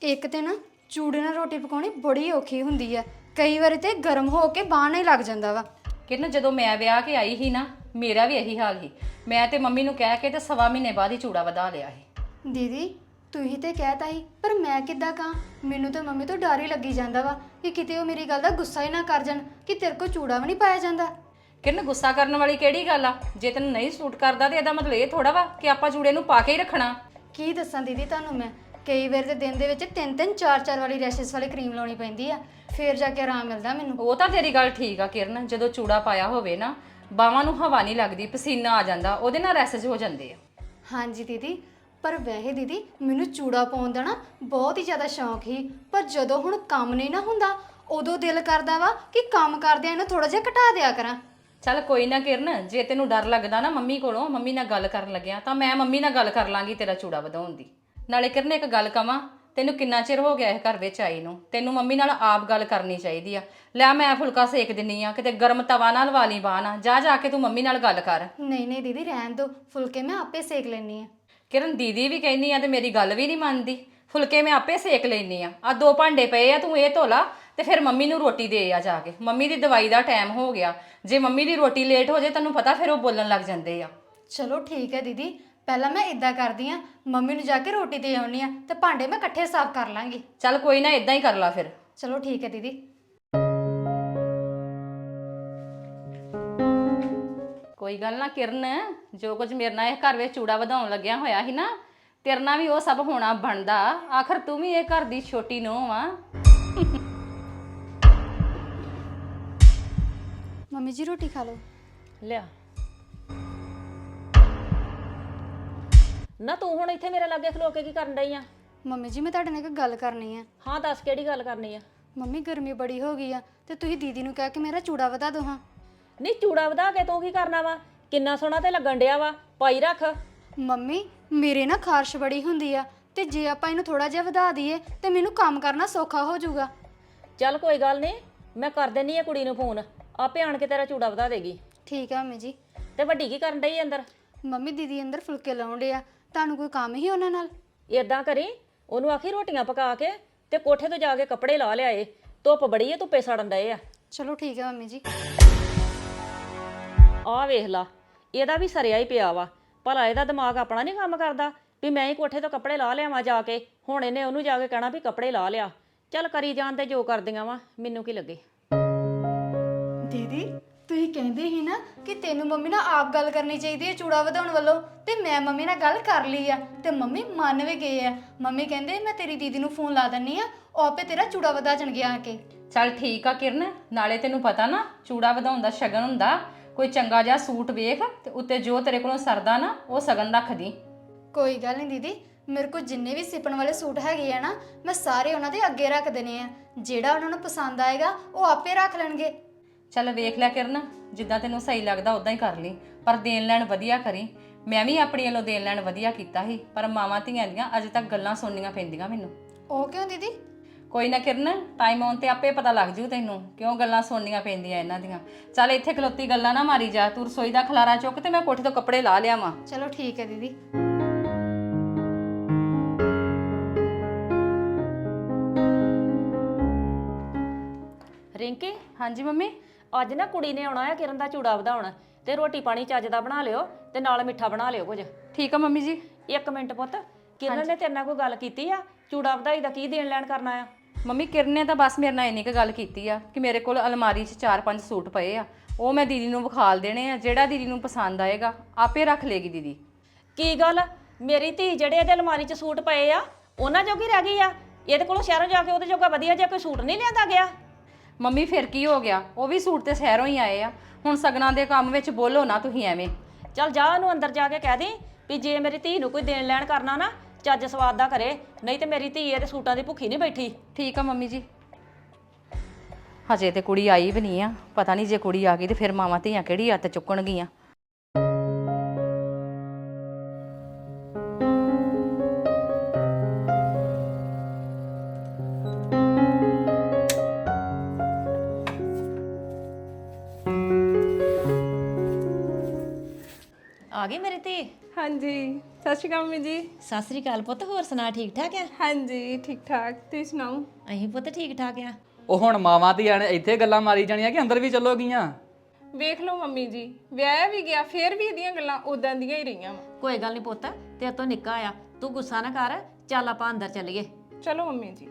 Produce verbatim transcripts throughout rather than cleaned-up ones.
ਇੱਕ ਤੇ ਨਾ ਚੂੜੇ ਨਾਲ ਰੋਟੀ ਪਕਾਉਣੀ ਬੜੀ ਔਖੀ ਹੁੰਦੀ ਆ। ਕਈ ਵਾਰੀ ਤੇ ਗਰਮ ਹੋ ਕੇ ਬਾਹਰ ਨਹੀਂ ਲੱਗ ਜਾਂਦਾ ਵਾ। ਕਿਰਨ ਜਦੋਂ ਮੈਂ ਵਿਆਹ ਕੇ ਆਈ ਸੀ ਨਾ ਮੇਰਾ ਵੀ ਇਹੀ ਹਾਲ ਸੀ। ਮੈਂ ਤੇ ਮੰਮੀ ਨੂੰ ਕਹਿ ਕੇ ਤੇ ਸਵਾ ਮਹੀਨੇ ਬਾਅਦ ਹੀ ਚੂੜਾ ਵਧਾ ਲਿਆ ਸੀ। ਦੀਦੀ ਤੁਸੀਂ ਤੇ ਕਹਿਤਾ ਸੀ, ਪਰ ਮੈਂ ਕਿੱਦਾਂ ਕਹਾਂ? ਮੈਨੂੰ ਤਾਂ ਮੰਮੀ ਤੋਂ ਡਰ ਹੀ ਲੱਗੀ ਜਾਂਦਾ ਵਾ ਕਿ ਕਿਤੇ ਉਹ ਮੇਰੀ ਗੱਲ ਦਾ ਗੁੱਸਾ ਹੀ ਨਾ ਕਰ ਜਾਣ ਕਿ ਤੇਰੇ ਕੋਲ ਚੂੜਾ ਵੀ ਨਹੀਂ ਪਾਇਆ ਜਾਂਦਾ। ਕਿਰਨ ਗੁੱਸਾ ਕਰਨ ਵਾਲੀ ਕਿਹੜੀ ਗੱਲ ਆ? ਜੇ ਤੈਨੂੰ ਨਹੀਂ ਸੂਟ ਕਰਦਾ ਤੇ ਇਹਦਾ ਮਤਲਬ ਇਹ ਥੋੜਾ ਵਾ ਕਿ ਆਪਾਂ ਚੂੜੇ ਨੂੰ ਪਾ ਕੇ ਹੀ ਰੱਖਣਾ। ਕੀ ਦੱਸਾਂ ਦੀਦੀ ਤੁਹਾਨੂੰ ਮੈਂ, ਕਈ ਵਾਰ ਤੇ ਦਿਨ ਦੇ ਵਿੱਚ ਤਿੰਨ ਤਿੰਨ ਚਾਰ ਚਾਰ ਵਾਲੀ ਰੈਸ਼ਸ ਵਾਲੀ ਕਰੀਮ ਲਾਉਣੀ ਪੈਂਦੀ ਆ, ਫੇਰ ਜਾ ਕੇ ਆਰਾਮ ਮਿਲਦਾ ਮੈਨੂੰ। ਉਹ ਤਾਂ ਤੇਰੀ ਗੱਲ ਠੀਕ ਆ ਕਿਰਨ, ਜਦੋਂ ਚੂੜਾ ਪਾਇਆ ਹੋਵੇ ਨਾ ਬਾਹਾਂ ਨੂੰ ਹਵਾ ਨਹੀਂ ਲੱਗਦੀ, ਪਸੀਨਾ ਆ ਜਾਂਦਾ, ਉਹਦੇ ਨਾਲ ਰੈਸ਼ਸ ਹੋ ਜਾਂਦੇ ਆ। ਹਾਂਜੀ ਦੀਦੀ, ਪਰ ਵੈਸੇ ਦੀਦੀ ਮੈਨੂੰ ਚੂੜਾ ਪਾਉਣ ਦਾ ਨਾ ਬਹੁਤ ਹੀ ਜ਼ਿਆਦਾ ਸ਼ੌਂਕ ਸੀ, ਪਰ ਜਦੋਂ ਹੁਣ ਕੰਮ ਨਹੀਂ ਨਾ ਹੁੰਦਾ ਉਦੋਂ ਦਿਲ ਕਰਦਾ ਵਾ ਕਿ ਕੰਮ ਕਰਦਿਆਂ ਇਹਨੂੰ ਥੋੜਾ ਜਿਹਾ ਘਟਾ ਦਿਆ ਕਰਾਂ। ਚੱਲ ਕੋਈ ਨਾ ਕਿਰਨ, ਜੇ ਤੈਨੂੰ ਡਰ ਲੱਗਦਾ ਨਾ ਮੰਮੀ ਕੋਲੋਂ, ਮੰਮੀ ਨਾਲ ਗੱਲ ਕਰਨ ਲੱਗਿਆ ਤਾਂ ਮੈਂ ਮੰਮੀ ਨਾਲ ਗੱਲ ਕਰ ਲਾਂਗੀ ਤੇਰਾ ਚੂੜਾ ਵਧਾਉਣ ਦੀ। ਨਾਲੇ ਕਿਰਨ ਇੱਕ ਗੱਲ ਕਵਾਂ, ਤੈਨੂੰ ਕਿੰਨਾ ਚਿਰ ਹੋ ਗਿਆ ਇਹ ਘਰ ਵਿੱਚ ਆਈ ਨੂੰ, ਤੈਨੂੰ ਮੰਮੀ ਨਾਲ ਆਪ ਗੱਲ ਕਰਨੀ ਚਾਹੀਦੀ ਆ। ਲੈ ਮੈਂ ਫੁਲਕਾ ਸੇਕ ਦਿੰਨੀ ਆ, ਕਿਤੇ ਗਰਮ ਤਵਾ ਨਾਲ ਲਵਾ ਲਈ ਬਾਂਹ ਨਾ, ਜਾ ਜਾ ਕੇ ਤੂੰ ਮੰਮੀ ਨਾਲ ਗੱਲ ਕਰ। ਨਹੀਂ ਨਹੀਂ ਦੀਦੀ ਰਹਿਣ ਦਿਓ, ਫੁਲਕੇ ਮੈਂ ਆਪੇ ਸੇਕ ਲੈਣੀ ਆ। ਕਿਰਨ ਦੀਦੀ ਵੀ ਕਹਿੰਦੀ ਆ ਤੇ ਮੇਰੀ ਗੱਲ ਵੀ ਨਹੀਂ ਮੰਨਦੀ। ਫੁਲਕੇ ਮੈਂ ਆਪੇ ਸੇਕ ਲੈਣੀ ਆ। ਆ ਦੋ ਭਾਂਡੇ ਪਏ ਆ, ਤੂੰ ਇਹ ਧੋ ਲਾ ਤੇ ਫਿਰ ਮੰਮੀ ਨੂੰ ਰੋਟੀ ਦੇ ਆ ਜਾ ਕੇ। ਮੰਮੀ ਦੀ ਦਵਾਈ ਦਾ ਟਾਈਮ ਹੋ ਗਿਆ, ਜੇ ਮੰਮੀ ਦੀ ਰੋਟੀ ਲੇਟ ਹੋ ਜੇ ਤੈਨੂੰ ਪਤਾ ਫਿਰ ਉਹ ਬੋਲਣ ਲੱਗ ਜਾਂਦੇ ਆ। ਚਲੋ ਠੀਕ ਹੈ ਦੀਦੀ, ਪਹਿਲਾਂ ਮੈਂ ਇਦਾਂ ਕਰਦੀ ਆ, ਮੰਮੀ ਨੂੰ ਜਾ ਕੇ ਰੋਟੀ ਦੇ ਆਉਣੀ ਆ ਤੇ ਭਾਂਡੇ ਮੈਂ ਇਕੱਠੇ ਸਾਫ਼ ਕਰ ਲਾਂਗੀ। ਚੱਲ ਕੋਈ ਨਾ, ਇਦਾਂ ਹੀ ਕਰ ਲਾ ਫਿਰ। ਚਲੋ ਠੀਕ ਹੈ ਦੀਦੀ। ਕੋਈ ਗੱਲ ਨਾ ਕਿਰਨ, ਜੋ ਕੁਝ ਮੇਰੇ ਨਾਲ ਇਹ ਘਰ ਵਿੱਚ ਚੂੜਾ ਵਧਾਉਣ ਲੱਗਿਆ ਹੋਇਆ ਸੀ ਨਾ, ਤੇਰੇ ਨਾਲ ਵੀ ਉਹ ਸਭ ਹੋਣਾ ਬਣਦਾ। ਆਖਰ ਤੂੰ ਵੀ ਇਹ ਘਰ ਦੀ ਛੋਟੀ ਨੂੰਹ ਆ। ਮੰਮੀ ਜੀ ਰੋਟੀ ਖਾ ਲਓ। ਲਿਆ ਨਾ, ਤੂੰ ਹੁਣ ਇੱਥੇ ਮੇਰੇ ਲਾਗੇ ਖਲੋ ਕੇ ਕੀ ਕਰਨ ਡਈ ਆ? ਮੰਮੀ ਜੀ ਮੈਂ ਤੁਹਾਡੇ ਨਾਲ ਇੱਕ ਗੱਲ ਕਰਨੀ ਆ। ਹਾਂ ਦੱਸ, ਕਿਹੜੀ ਗੱਲ ਕਰਨੀ ਆ? ਮੰਮੀ ਗਰਮੀ ਬੜੀ ਹੋ ਗਈ ਆ ਤੇ ਤੁਸੀਂ ਦੀਦੀ ਨੂੰ ਕਹਿ ਕੇ ਮੇਰਾ ਚੂੜਾ ਵਧਾ ਦਿਓ ਹਾਂ। ਨਹੀਂ ਚੂੜਾ ਵਧਾ ਕੇ ਤੂੰ ਕੀ ਕਰਨਾ ਵਾ? ਕਿੰਨਾ ਸੋਹਣਾ ਤੇ ਲੱਗਣ ਡਿਆ ਵਾ, ਪਾਈ ਰੱਖ। ਮੰਮੀ ਮੇਰੇ ਨਾ ਖਾਰਸ਼ ਬੜੀ ਹੁੰਦੀ ਆ ਤੇ ਜੇ ਆਪਾਂ ਇਹਨੂੰ ਥੋੜਾ ਜਿਹਾ ਵਧਾ ਦਈਏ ਤੇ ਮੈਨੂੰ ਕੰਮ ਕਰਨਾ ਸੌਖਾ ਹੋ ਜਾਊਗਾ। ਚੱਲ ਕੋਈ ਗੱਲ ਨਹੀਂ, ਮੈਂ ਕਰ ਦਿੰਨੀ ਆ ਕੁੜੀ ਨੂੰ ਫੋਨ, ਆਪੇ ਆਣ ਕੇ ਤੇਰਾ ਚੂੜਾ ਵਧਾ ਦੇਗੀ। ਠੀਕ ਆ ਮੰਮੀ ਜੀ। ਤੇ ਵੱਡੀ ਕੀ ਕਰਨ ਡਈ ਅੰਦਰ? ਮੰਮੀ ਦੀਦੀ ਅੰਦਰ ਫੁਲਕੇ ਲਾਉਣ ਡਏ ਆ, ਤੁਹਾਨੂੰ ਕੋਈ ਕੰਮ ਹੀ ਉਹਨਾਂ ਨਾਲ? ਏਦਾਂ ਕਰੀ, ਉਹਨੂੰ ਆਖੀ ਰੋਟੀਆਂ ਪਕਾ ਕੇ ਤੇ ਕੋਠੇ ਤੋਂ ਜਾ ਕੇ ਕੱਪੜੇ ਲਾ ਲਿਆਏ, ਧੁੱਪ ਬੜੀ ਏ, ਧੁੱਪੇ ਸੜਨ ਡਏ ਆ। ਚਲੋ ਠੀਕ ਆ ਮੰਮੀ ਜੀ। ਆਹ ਵੇਖ ਲਾ, ਇਹਦਾ ਵੀ ਸਰਿਆ ਹੀ ਪਿਆ ਵਾ। ਭਲਾ ਇਹਦਾ ਦਿਮਾਗ ਆਪਣਾ ਨਹੀਂ ਕੰਮ ਕਰਦਾ ਵੀ ਮੈਂ ਹੀ ਕੋਠੇ ਤੋਂ ਕੱਪੜੇ ਲਾ ਲਿਆਵਾਂ ਜਾ ਕੇ? ਹੁਣ ਇਹਨੇ ਉਹਨੂੰ ਜਾ ਕੇ ਕਹਿਣਾ ਵੀ ਕੱਪੜੇ ਲਾ ਲਿਆ। ਚੱਲ ਕਰੀ ਜਾਣ ਤੇ ਜੋ ਕਰਦੀਆਂ ਵਾ, ਮੈਨੂੰ ਕੀ ਲੱਗੇ। ਦੀਦੀ ਤੁਸੀਂ ਕਹਿੰਦੇ ਸੀ ਨਾ ਕਿ ਤੈਨੂੰ ਮੰਮੀ ਨਾਲ ਆਪ ਗੱਲ ਕਰਨੀ ਚਾਹੀਦੀ ਹੈ ਚੂੜਾ ਵਧਾਉਣ ਵੱਲੋਂ, ਤੇ ਮੈਂ ਮੰਮੀ ਨਾਲ ਗੱਲ ਕਰ ਲਈ ਆ ਤੇ ਮੰਮੀ ਮੰਨ ਵੀ ਗਏ ਆ। ਮੰਮੀ ਕਹਿੰਦੇ ਮੈਂ ਤੇਰੀ ਦੀਦੀ ਨੂੰ ਫੋਨ ਲਾ ਦਿੰਨੀ ਆ, ਉਹ ਆਪੇ ਤੇਰਾ ਚੂੜਾ ਵਧਾ ਜਾਣਗੇ ਆ ਕੇ। ਚੱਲ ਠੀਕ ਆ ਕਿਰਨ, ਨਾਲੇ ਤੈਨੂੰ ਪਤਾ ਨਾ ਚੂੜਾ ਵਧਾਉਣ ਦਾ ਸ਼ਗਨ ਹੁੰਦਾ। ਕੋਈ ਚੰਗਾ ਜਿਹਾ ਸੂਟ ਵੇਖ ਤੇ ਉੱਤੇ ਜੋ ਤੇਰੇ ਕੋਲੋਂ ਸਰਦਾ ਨਾ ਉਹ ਸ਼ਗਨ ਰੱਖ ਦੀ। ਕੋਈ ਗੱਲ ਨਹੀਂ ਦੀਦੀ, ਮੇਰੇ ਕੋਲ ਜਿੰਨੇ ਵੀ ਸਿਪਣ ਵਾਲੇ ਸੂਟ ਹੈਗੇ ਆ ਨਾ ਮੈਂ ਸਾਰੇ ਉਹਨਾਂ ਦੇ ਅੱਗੇ ਰੱਖ ਦੇਣੇ ਆ, ਜਿਹੜਾ ਉਹਨਾਂ ਨੂੰ ਪਸੰਦ ਆਏਗਾ ਉਹ ਆਪੇ ਰੱਖ ਲੈਣਗੇ। ਚੱਲ ਵੇਖ ਲੈ ਕਿਰਨ, ਜਿੱਦਾਂ ਤੈਨੂੰ ਸਹੀ ਲੱਗਦਾ ਉਦਾਂ ਹੀ ਕਰ ਲਈ, ਪਰ ਦੇਣ ਲੈਣ ਵਧੀਆ ਕਰੀ। ਮੈਂ ਵੀ ਆਪਣੀ ਵੱਲੋਂ ਦੇਣ ਲੈਣ ਵਧੀਆ ਕੀਤਾ ਸੀ, ਪਰ ਮਾਵਾਂ ਧੀਆਂ ਦੀਆਂ ਅਜੇ ਤੱਕ ਗੱਲਾਂ ਸੁਣਨੀਆਂ ਪੈਂਦੀਆਂ ਮੈਨੂੰ। ਉਹ ਕਿਉਂ ਦੀਦੀ? ਕੋਈ ਨਾ ਕਿਰਨ, ਟਾਈਮ ਆਉਣ ਤੇ ਆਪੇ ਪਤਾ ਲੱਗ ਜੂ ਤੈਨੂੰ ਕਿਉਂ ਗੱਲਾਂ ਸੁਣਨੀਆਂ ਪੈਂਦੀਆਂ ਇਹਨਾਂ ਦੀਆਂ। ਚੱਲ ਇੱਥੇ ਖਲੋਤੀ ਗੱਲਾਂ ਨਾ ਮਾਰੀ ਜਾ, ਤੂੰ ਰਸੋਈ ਦਾ ਖਲਾਰਾ ਚੁੱਕ ਤੇ ਮੈਂ ਕੋਠੇ ਤੋਂ ਕੱਪੜੇ ਲਾ ਲਿਆਵਾਂ। ਚਲੋ ਠੀਕ ਹੈ ਦੀਦੀ। ਰਿੰਕੀ, ਹਾਂਜੀ ਮੰਮੀ। ਅੱਜ ਨਾ ਕੁੜੀ ਨੇ ਆਉਣਾ ਆ ਕਿਰਨ ਦਾ ਚੂੜਾ ਵਧਾਉਣ, ਤੇ ਰੋਟੀ ਪਾਣੀ ਚੱਜ ਦਾ ਬਣਾ ਲਿਓ ਤੇ ਨਾਲ ਮਿੱਠਾ ਬਣਾ ਲਿਓ ਕੁਝ। ਠੀਕ ਆ ਮੰਮੀ ਜੀ। ਇੱਕ ਮਿੰਟ ਪੁੱਤ, ਕਿਰਨ ਨੇ ਤੇਰੇ ਨਾਲ ਕੋਈ ਗੱਲ ਕੀਤੀ ਆ? ਚੂੜਾ ਵਧਾਈ ਦਾ ਕੀ ਦੇਣ ਲੈਣ ਕਰਨਾ ਆ? ਮੰਮੀ ਕਿਰਨ ਨੇ ਤਾਂ ਬਸ ਮੇਰੇ ਨਾਲ ਇੰਨੀ ਕੁ ਗੱਲ ਕੀਤੀ ਆ ਕਿ ਮੇਰੇ ਕੋਲ ਅਲਮਾਰੀ 'ਚ ਚਾਰ ਪੰਜ ਸੂਟ ਪਏ ਆ, ਉਹ ਮੈਂ ਦੀਦੀ ਨੂੰ ਵਿਖਾਲ ਦੇਣੇ ਆ, ਜਿਹੜਾ ਦੀਦੀ ਨੂੰ ਪਸੰਦ ਆਏਗਾ ਆਪੇ ਰੱਖ ਲੇਗੀ ਦੀਦੀ। ਕੀ ਗੱਲ, ਮੇਰੀ ਧੀ ਜਿਹੜੇ ਇਹਦੇ ਅਲਮਾਰੀ 'ਚ ਸੂਟ ਪਏ ਆ ਉਹਨਾਂ ਜੋਗੀ ਰਹਿ ਗਈ ਆ? ਇਹਦੇ ਕੋਲੋਂ ਸ਼ਹਿਰੋਂ ਜਾ ਕੇ ਉਹਦੇ ਜੋਗਾ ਵਧੀਆ ਜਿਹਾ ਕੋਈ ਸੂਟ ਨਹੀਂ ਲਿਆਂਦਾ ਗਿਆ? ਮੰਮੀ ਫਿਰ ਕੀ ਹੋ ਗਿਆ, ਉਹ ਵੀ ਸੂਟ ਤੇ ਸ਼ਹਿਰੋਂ ਹੀ ਆਏ ਆ। ਹੁਣ ਸਗਨਾਂ ਦੇ ਕੰਮ ਵਿੱਚ ਬੋਲੋ ਨਾ ਤੁਸੀਂ ਐਵੇਂ। ਚੱਲ ਜਾ ਉਹਨੂੰ ਅੰਦਰ ਜਾ ਕੇ ਕਹਿ ਦੇ ਵੀ ਜੇ ਮੇਰੀ ਧੀ ਨੂੰ ਕੋਈ ਦੇਣ ਲੈਣ ਕਰਨਾ ਨਾ ਚੱਜ ਸਵਾਦ ਦਾ ਕਰੇ, ਨਹੀਂ ਤੇ ਮੇਰੀ ਧੀ ਇਹਦੇ ਸੂਟਾਂ ਦੀ ਭੁੱਖੀ ਨਹੀਂ ਬੈਠੀ। ਠੀਕ ਆ ਮੰਮੀ ਜੀ। ਹਜੇ ਤੇ ਕੁੜੀ ਆਈ ਵੀ ਨਹੀਂ ਆ, ਪਤਾ ਨਹੀਂ ਜੇ ਕੁੜੀ ਆ ਗਈ ਤੇ ਫਿਰ ਮਾਵਾਂ ਧੀਆਂ ਕਿਹੜੀ ਹੱਥ ਚੁੱਕਣਗੀਆਂ। ਆ ਗਈ ਮੇਰੀ ਧੀ? ਹਾਂਜੀ ਸਤਿ ਸ਼੍ਰੀ ਅਕਾਲ ਮੰਮੀ ਜੀ। ਸਤਿ ਸ੍ਰੀ ਅਕਾਲ ਪੁੱਤ, ਹੋਰ ਸੁਣਾ ਠੀਕ ਠਾਕ ਆ? ਹਾਂਜੀ ਠੀਕ ਠਾਕ, ਤੁਸੀਂ ਸੁਣਾਓ? ਅਸੀਂ ਪੁੱਤ ਠੀਕ ਠਾਕ ਆ। ਉਹ ਹੁਣ ਮਾਵਾਂ ਧੀਆਂ ਨੇ ਇੱਥੇ ਗੱਲਾਂ ਮਾਰੀ ਜਾਣੀਆਂ ਕਿ ਅੰਦਰ ਵੀ ਚੱਲੋਗੀਆਂ। ਵੇਖ ਲਓ ਮੰਮੀ ਜੀ, ਵਿਆਹ ਵੀ ਗਿਆ ਫੇਰ ਵੀ ਇਹਦੀਆਂ ਗੱਲਾਂ ਉਦਾਂ ਦੀਆਂ ਹੀ ਰਹੀਆਂ ਵਾ। ਕੋਈ ਗੱਲ ਨਹੀਂ ਪੁੱਤ, ਤੇਰੇ ਤੋਂ ਨਿੱਕਾ ਆ, ਤੂੰ ਗੁੱਸਾ ਨਾ ਕਰ, ਚੱਲ ਆਪਾਂ ਅੰਦਰ ਚੱਲੀਏ। ਚਲੋ ਮੰਮੀ ਜੀ।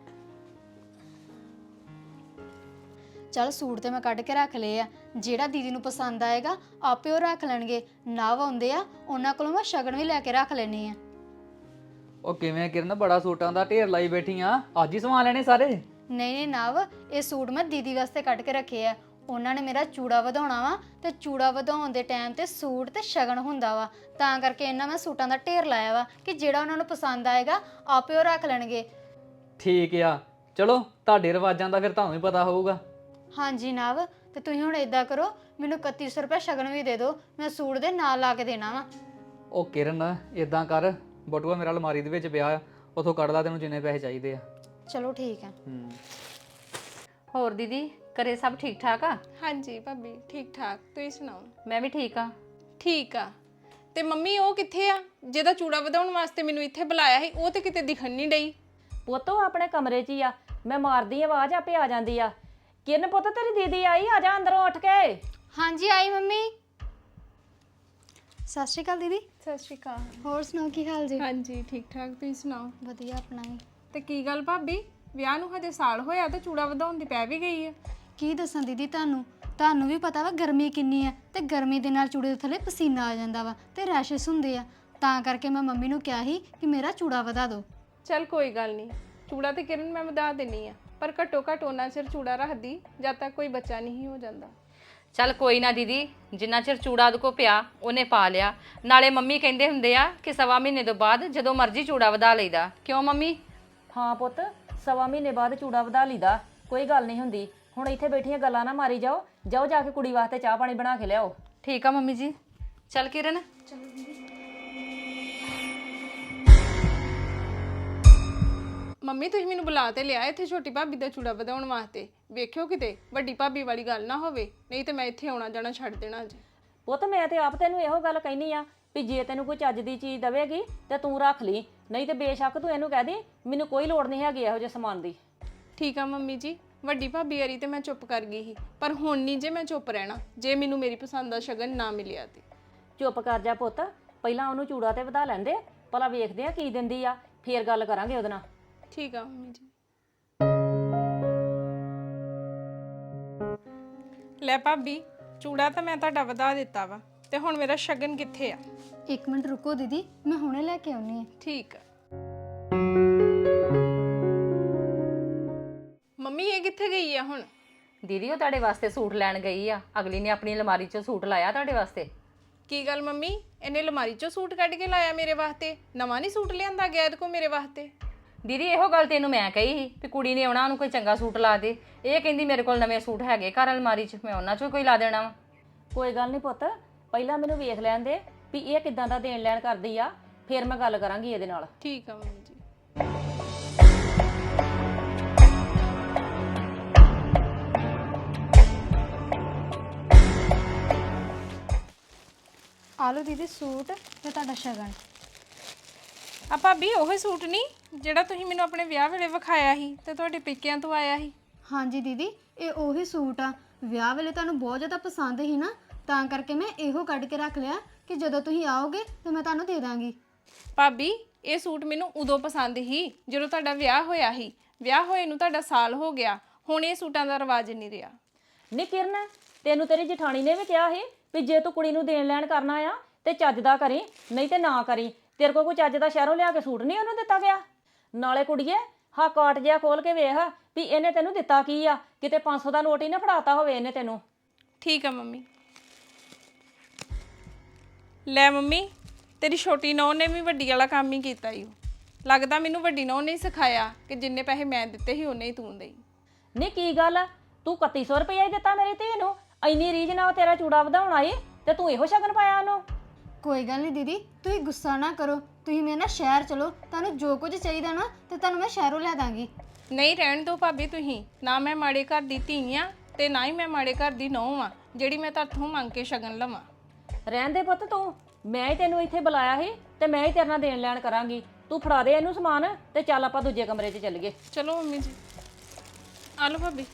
ਚਲ ਸੂਟ ਤੇ ਮੈਂ ਕੱਢ ਕੇ ਰੱਖ ਲਏ ਆ, ਜਿਹੜਾ ਦੀਦੀ ਨੂੰ ਪਸੰਦ ਆਏਗਾ ਆਪੇ ਉਹ ਰੱਖ ਲੈਣਗੇ। ਨਵ ਆਉਂਦੇ ਆ, ਉਹਨਾਂ ਕੋਲੋਂ ਮੈਂ ਸ਼ਗਨ ਵੀ ਲੈ ਕੇ ਰੱਖ ਲੈਣੀ ਆ। ਉਹ ਕਿਵੇਂ ਕਿਰਨ, ਬੜਾ ਸੂਟਾਂ ਦਾ ਢੇਰ ਲਾਈ ਬੈਠੀ ਆ, ਅੱਜ ਹੀ ਸਵਾ ਲੈਣੇ ਸਾਰੇ? ਨਹੀਂ ਨਹੀਂ ਨਵ, ਇਹ ਸੂਟ ਮੈਂ ਦੀਦੀ ਵਾਸਤੇ ਕੱਢ ਕੇ ਰੱਖੇ ਆ। ਉਹਨਾਂ ਨੇ ਮੇਰਾ ਚੂੜਾ ਵਧਾਉਣਾ ਵਾ ਤੇ ਚੂੜਾ ਵਧਾਉਣ ਦੇ ਟਾਈਮ ਤੇ ਸੂਟ ਤੇ ਸ਼ਗਨ ਹੁੰਦਾ ਵਾ, ਤਾਂ ਕਰਕੇ ਇਹਨਾਂ ਮੈਂ ਸੂਟਾਂ ਦਾ ਢੇਰ ਲਾਇਆ ਵਾ ਕਿ ਜਿਹੜਾ ਉਹਨਾਂ ਨੂੰ ਪਸੰਦ ਆਏਗਾ ਆਪੇ ਉਹ ਰੱਖ ਲੈਣਗੇ। ਠੀਕ ਆ, ਚਲੋ ਤੁਹਾਡੇ ਰਿਵਾਜਾਂ ਦਾ ਫਿਰ ਤੁਹਾਨੂੰ ਹੀ ਪਤਾ ਹੋਊਗਾ। ਹਾਂਜੀ ਨਵ, ਤੇ ਤੁਸੀਂ ਹੁਣ ਇਦਾਂ ਕਰੋ, ਮੈਨੂੰ ਇਕੱਤੀ ਸੌ ਰੁਪਏ ਸ਼ਗਨ ਵੀ ਦੇ ਦਿਓ, ਮੈਂ ਸੂਟ ਦੇ ਨਾਲ ਲਾ ਕੇ ਦੇਣਾ ਵਾ। ਉਹ ਕਿਰਨ ਇਦਾਂ ਕਰ, ਬਟੂਆ ਮੇਰਾ ਅਲਮਾਰੀ ਦੇ ਵਿੱਚ ਪਿਆ, ਉਥੋਂ ਕੱਢ ਲਾ ਤੈਨੂੰ ਜਿੰਨੇ ਪੈਸੇ ਚਾਹੀਦੇ ਆ। ਚਲੋ ਠੀਕ ਹੈ। ਹੂੰ। ਹੋਰ ਦੀਦੀ ਘਰੇ ਸਭ ਠੀਕ ਠਾਕ ਆ? ਹਾਂਜੀ ਭਾਬੀ ਠੀਕ ਠਾਕ, ਤੁਸੀਂ ਸੁਣਾਓ? ਮੈਂ ਵੀ ਠੀਕ ਆ। ਠੀਕ ਆ। ਤੇ ਮੰਮੀ ਉਹ ਕਿੱਥੇ ਆ ਜਿਹਦਾ ਚੂੜਾ ਵਧਾਉਣ ਵਾਸਤੇ ਮੈਨੂੰ ਇੱਥੇ ਬੁਲਾਇਆ ਸੀ? ਉਹ ਤੇ ਕਿਤੇ ਦਿਖਣ ਨਹੀਂ ਡਈ। ਪੁੱਤ ਉਹ ਆਪਣੇ ਕਮਰੇ 'ਚ ਹੀ ਆ, ਮੈਂ ਮਾਰਦੀ ਆਵਾਜ਼ ਆਪੇ ਆ ਜਾਂਦੀ ਆ। ਕਿਰਨ ਪੁੱਤ, ਤੇਰੀ ਦੀਦੀ ਆਈ, ਆ ਜਾ ਅੰਦਰੋਂ ਉੱਠ ਕੇ। ਹਾਂਜੀ ਆਈ ਮੰਮੀ। ਸਤਿ ਸ਼੍ਰੀ ਅਕਾਲ ਦੀਦੀ। ਸਤਿ ਸ਼੍ਰੀ ਅਕਾਲ। ਹੋਰ ਸੁਣਾਓ ਕੀ ਹਾਲ ਜੀ? ਹਾਂਜੀ ਠੀਕ ਠਾਕ, ਤੁਸੀਂ ਸੁਣਾਓ? ਵਧੀਆ ਆਪਣਾ ਵੀ। ਤੇ ਕੀ ਗੱਲ ਭਾਬੀ, ਵਿਆਹ ਨੂੰ ਹਜੇ ਸਾਲ ਹੋਇਆ ਤੇ ਚੂੜਾ ਵਧਾਉਣ ਦੀ ਪੈ ਵੀ ਗਈ ਹੈ? ਕੀ ਦੱਸਾਂ ਦੀਦੀ ਤੁਹਾਨੂੰ ਤੁਹਾਨੂੰ ਵੀ ਪਤਾ ਵਾ ਗਰਮੀ ਕਿੰਨੀ ਆ, ਤੇ ਗਰਮੀ ਦੇ ਨਾਲ ਚੂੜੇ ਦੇ ਥੱਲੇ ਪਸੀਨਾ ਆ ਜਾਂਦਾ ਵਾ ਤੇ ਰੈਸ਼ਸ ਹੁੰਦੇ ਆ, ਤਾਂ ਕਰਕੇ ਮੈਂ ਮੰਮੀ ਨੂੰ ਕਿਹਾ ਸੀ ਕਿ ਮੇਰਾ ਚੂੜਾ ਵਧਾ ਦਿਓ। ਚਲ ਕੋਈ ਗੱਲ ਨਹੀਂ, ਚੂੜਾ ਤੇ ਕਿਰਨ ਮੈਂ ਵਧਾ ਦੇਣੀ ਆ, ਪਰ ਘੱਟੋ ਘੱਟ ਉਹਨਾਂ ਚਿਰ ਚੂੜਾ ਰੱਖਦੀ ਜਦ ਤੱਕ ਕੋਈ ਬੱਚਾ ਨਹੀਂ ਹੋ ਜਾਂਦਾ। ਚੱਲ ਕੋਈ ਨਾ ਦੀਦੀ, ਜਿੰਨਾ ਚਿਰ ਚੂੜਾ ਉਹਦੇ ਕੋ ਪਿਆ ਉਹਨੇ ਪਾ ਲਿਆ। ਨਾਲੇ ਮੰਮੀ ਕਹਿੰਦੇ ਹੁੰਦੇ ਆ ਕਿ ਸਵਾ ਮਹੀਨੇ ਤੋਂ ਬਾਅਦ ਜਦੋਂ ਮਰਜ਼ੀ ਚੂੜਾ ਵਧਾ ਲਈਦਾ। ਕਿਉਂ ਮੰਮੀ? ਹਾਂ ਪੁੱਤ, ਸਵਾ ਮਹੀਨੇ ਬਾਅਦ ਚੂੜਾ ਵਧਾ ਲਈਦਾ, ਕੋਈ ਗੱਲ ਨਹੀਂ ਹੁੰਦੀ। ਹੁਣ ਇੱਥੇ ਬੈਠੀਆਂ ਗੱਲਾਂ ਨਾ ਮਾਰੀ ਜਾਓ, ਜਾਓ ਜਾ ਕੇ ਕੁੜੀ ਵਾਸਤੇ ਚਾਹ ਪਾਣੀ ਬਣਾ ਕੇ ਲਿਆਓ। ਠੀਕ ਆ ਮੰਮੀ ਜੀ। ਚੱਲ ਕਿਰਨ। ਮੰਮੀ ਤੁਸੀਂ ਮੈਨੂੰ ਬੁਲਾ ਤੇ ਲਿਆ ਇੱਥੇ ਛੋਟੀ ਭਾਬੀ ਦਾ ਚੂੜਾ ਵਧਾਉਣ ਵਾਸਤੇ, ਵੇਖਿਓ ਕਿਤੇ ਵੱਡੀ ਭਾਬੀ ਵਾਲੀ ਗੱਲ ਨਾ ਹੋਵੇ, ਨਹੀਂ ਤੇ ਮੈਂ ਇੱਥੇ ਆਉਣਾ ਜਾਣਾ ਛੱਡ ਦੇਣਾ ਅੱਜ। ਪੁੱਤ ਮੈਂ ਤੇ ਆਪ ਤੈਨੂੰ ਇਹੋ ਗੱਲ ਕਹਿਨੀ ਆ ਵੀ ਜੇ ਤੈਨੂੰ ਕੋਈ ਚੱਜ ਦੀ ਚੀਜ਼ ਦੇਵੇਗੀ ਤੇ ਤੂੰ ਰੱਖ ਲਈ, ਨਹੀਂ ਤੇ ਬੇਸ਼ੱਕ ਤੂੰ ਇਹਨੂੰ ਕਹਿ ਦੇ ਮੈਨੂੰ ਕੋਈ ਲੋੜ ਨਹੀਂ ਹੈਗੀ ਇਹੋ ਜਿਹੇ ਸਮਾਨ ਦੀ। ਠੀਕ ਆ ਮੰਮੀ ਜੀ, ਵੱਡੀ ਭਾਬੀ ਵਾਰੀ ਤੇ ਮੈਂ ਚੁੱਪ ਕਰ ਗਈ ਸੀ, ਪਰ ਹੁਣ ਨਹੀਂ ਜੇ ਮੈਂ ਚੁੱਪ ਰਹਿਣਾ, ਜੇ ਮੈਨੂੰ ਮੇਰੀ ਪਸੰਦ ਦਾ ਸ਼ਗਨ ਨਾ ਮਿਲਿਆ ਤੇ। ਚੁੱਪ ਕਰ ਜਾ ਪੁੱਤ, ਪਹਿਲਾਂ ਉਹਨੂੰ ਚੂੜਾ ਤੇ ਵਧਾ ਲੈਂਦੇ, ਭਲਾ ਵੇਖਦੇ ਆ ਕੀ ਦਿੰਦੀ ਆ, ਫੇਰ ਗੱਲ ਕਰਾਂਗੇ ਉਹਦੇ ਨਾਲ। ਠੀਕ ਆ ਮੰਮੀ ਜੀ। ਲੈ ਭਾਬੀ, ਚੂੜਾ ਤਾਂ ਮੈਂ ਤੁਹਾਡਾ ਵਧਾ ਦਿੱਤਾ ਵਾ, ਤੇ ਹੁਣ ਮੇਰਾ ਸ਼ਗਨ ਕਿੱਥੇ ਆ? ਇੱਕ ਮਿੰਟ ਰੁਕੋ ਦੀਦੀ, ਮੈਂ ਹੁਣੇ ਲੈ ਕੇ ਆਉਣੀ ਆ। ਠੀਕ ਆ। ਮੰਮੀ ਇਹ ਕਿੱਥੇ ਗਈ ਆ ਹੁਣ? ਦੀਦੀ ਉਹ ਤੁਹਾਡੇ ਵਾਸਤੇ ਸੂਟ ਲੈਣ ਗਈ ਆ, ਅਗਲੀ ਨੇ ਆਪਣੀ ਅਲਮਾਰੀ 'ਚੋਂ ਸੂਟ ਲਾਇਆ ਤੁਹਾਡੇ ਵਾਸਤੇ। ਕੀ ਗੱਲ ਮੰਮੀ, ਇਹਨੇ ਅਲਮਾਰੀ 'ਚੋਂ ਸੂਟ ਕੱਢ ਕੇ ਲਾਇਆ ਮੇਰੇ ਵਾਸਤੇ? ਨਵਾਂ ਨਹੀਂ ਸੂਟ ਲਿਆਂਦਾ ਗਿਆ ਇਹਦੇ ਕੋਲ ਮੇਰੇ ਵਾਸਤੇ? ਦੀਦੀ ਇਹੋ ਗੱਲ ਤੈਨੂੰ ਮੈਂ ਕਹੀ ਸੀ ਵੀ ਕੁੜੀ ਨੇ ਆਉਣਾ, ਉਹਨੂੰ ਕੋਈ ਚੰਗਾ ਸੂਟ ਲਾ ਦੇ। ਇਹ ਕਹਿੰਦੀ ਮੇਰੇ ਕੋਲ ਨਵੇਂ ਸੂਟ ਹੈਗੇ ਘਰ ਅਲਮਾਰੀ 'ਚ, ਮੈਂ ਉਹਨਾਂ 'ਚੋਂ ਕੋਈ ਲਾ ਦੇਣਾ ਵਾ। ਕੋਈ ਗੱਲ ਨਹੀਂ ਪੁੱਤ, ਪਹਿਲਾਂ ਮੈਨੂੰ ਵੇਖ ਲੈਣ ਦੇ ਵੀ ਇਹ ਕਿੱਦਾਂ ਦਾ ਦੇਣ ਲੈਣ ਕਰਦੀ ਆ, ਫੇਰ ਮੈਂ ਗੱਲ ਕਰਾਂਗੀ ਇਹਦੇ ਨਾਲ। ਠੀਕ ਆ ਮੰਮੀ ਜੀ। ਆ ਲਓ ਦੀਦੀ ਸੂਟ ਤੇ ਤੁਹਾਡਾ ਸ਼ਗਨ। ਆ ਭਾਬੀ ਉਹੀ ਸੂਟ ਨਹੀਂ ਜਿਹੜਾ ਤੁਸੀਂ ਮੈਨੂੰ ਆਪਣੇ ਵਿਆਹ ਵੇਲੇ ਵਿਖਾਇਆ ਸੀ ਤੇ ਤੁਹਾਡੇ ਪੇਕਿਆਂ ਤੋਂ ਆਇਆ ਸੀ? ਹਾਂਜੀ ਦੀਦੀ, ਇਹ ਉਹੀ ਸੂਟ ਆ, ਵਿਆਹ ਵੇਲੇ ਤੁਹਾਨੂੰ ਬਹੁਤ ਜ਼ਿਆਦਾ ਪਸੰਦ ਸੀ ਨਾ, ਤਾਂ ਕਰਕੇ ਮੈਂ ਇਹੋ ਕੱਢ ਕੇ ਰੱਖ ਲਿਆ ਕਿ ਜਦੋਂ ਤੁਸੀਂ ਆਓਗੇ ਤੇ ਮੈਂ ਤੁਹਾਨੂੰ ਦੇ ਦਾਂਗੀ। ਭਾਬੀ ਇਹ ਸੂਟ ਮੈਨੂੰ ਉਦੋਂ ਪਸੰਦ ਸੀ ਜਦੋਂ ਤੁਹਾਡਾ ਵਿਆਹ ਹੋਇਆ ਸੀ, ਵਿਆਹ ਹੋਏ ਨੂੰ ਤੁਹਾਡਾ ਸਾਲ ਹੋ ਗਿਆ, ਹੁਣ ਇਹ ਸੂਟਾਂ ਦਾ ਰਿਵਾਜ ਨਹੀਂ ਰਿਹਾ। ਨੀ ਕਿਰਨ, ਤੈਨੂੰ ਤੇਰੀ ਜਠਾਣੀ ਨੇ ਵੀ ਕਿਹਾ ਸੀ ਵੀ ਜੇ ਤੂੰ ਕੁੜੀ ਨੂੰ ਦੇਣ ਲੈਣ ਕਰਨਾ ਆ ਤੇ ਚੱਜ ਦਾ ਕਰੀ, ਨਹੀਂ ਤੇ ਨਾ ਕਰੀ। ਤੇਰੇ ਕੋਲ ਕੋਈ ਚੱਜ ਦਾ ਸ਼ਹਿਰੋਂ ਲਿਆ ਕੇ ਸੂਟ ਨਹੀਂ ਉਹਨੂੰ ਦਿੱਤਾ ਗਿਆ? ਨਾਲੇ ਕੁੜੀਏ ਹਾਂ ਕਾਟ ਜਿਹਾ ਖੋਲ ਕੇ ਵੇਖ ਵੀ ਇਹਨੇ ਤੈਨੂੰ ਦਿੱਤਾ ਕੀ ਆ, ਕਿਤੇ ਪੰਜ ਸੌ ਦਾ ਨੋਟ ਹੀ ਨਾ ਫੜਾਤਾ ਹੋਵੇ ਇਹਨੇ ਤੈਨੂੰ। ਠੀਕ ਆ ਮੰਮੀ। ਲੈ ਮੰਮੀ, ਤੇਰੀ ਛੋਟੀ ਨੌਂ ਨੇ ਵੀ ਵੱਡੀ ਵਾਲਾ ਕੰਮ ਹੀ ਕੀਤਾ ਈ। ਲੱਗਦਾ ਮੈਨੂੰ ਵੱਡੀ ਨੌਂ ਨੇ ਸਿਖਾਇਆ ਕਿ ਜਿੰਨੇ ਪੈਸੇ ਮੈਂ ਦਿੱਤੇ ਸੀ ਉਹਨੇ ਹੀ ਤੂੰ ਦੇਈ। ਨਹੀਂ ਕੀ ਗੱਲ ਆ, ਤੂੰ ਇਕੱਤੀ ਸੌ ਰੁਪਇਆ ਹੀ ਦਿੱਤਾ ਮੇਰੀ ਧੀ ਨੂੰ, ਇੰਨੀ ਰੀਝ ਨਾਲ ਤੇਰਾ ਚੂੜਾ ਵਧਾਉਣ ਆਈ ਤੇ ਤੂੰ ਇਹੋ ਸ਼ਗਨ ਪਾਇਆ ਉਹਨੂੰ। ਕੋਈ ਗੱਲ ਨਹੀਂ ਦੀਦੀ, ਤੁਸੀਂ ਗੁੱਸਾ ਨਾ ਕਰੋ, ਤੁਸੀਂ ਮੇਰੇ ਨਾਲ ਸ਼ਹਿਰ ਚਲੋ, ਤੁਹਾਨੂੰ ਜੋ ਕੁਝ ਚਾਹੀਦਾ ਨਾ ਤੇ ਤੁਹਾਨੂੰ ਮੈਂ ਸ਼ਹਿਰੋਂ ਲੈ ਦਾਂਗੀ। ਨਹੀਂ ਰਹਿਣ ਦਿਓ ਭਾਬੀ, ਤੁਸੀਂ ਨਾ ਮੈਂ ਮਾੜੇ ਘਰ ਦੀ ਧੀ ਆ ਤੇ ਨਾ ਹੀ ਮੈਂ ਮਾੜੇ ਘਰ ਦੀ ਨੌਂ ਆ ਜਿਹੜੀ ਮੈਂ ਤੁਹਾਥੋਂ ਮੰਗ ਕੇ ਸ਼ਗਨ ਲਵਾਂ। ਰਹਿਣ ਦੇ ਪੁੱਤ, ਤੂੰ ਮੈਂ ਹੀ ਤੈਨੂੰ ਇੱਥੇ ਬੁਲਾਇਆ ਸੀ ਤੇ ਮੈਂ ਹੀ ਤੇਰੇ ਨਾਲ ਦੇਣ ਲੈਣ ਕਰਾਂਗੀ। ਤੂੰ ਫੜਾ ਦੇ ਇਹਨੂੰ ਸਮਾਨ ਤੇ ਚੱਲ ਆਪਾਂ ਦੂਜੇ ਕਮਰੇ 'ਚ ਚੱਲੀਏ। ਚਲੋ ਮੰਮੀ ਜੀ, ਆ ਲਓ ਭਾਬੀ।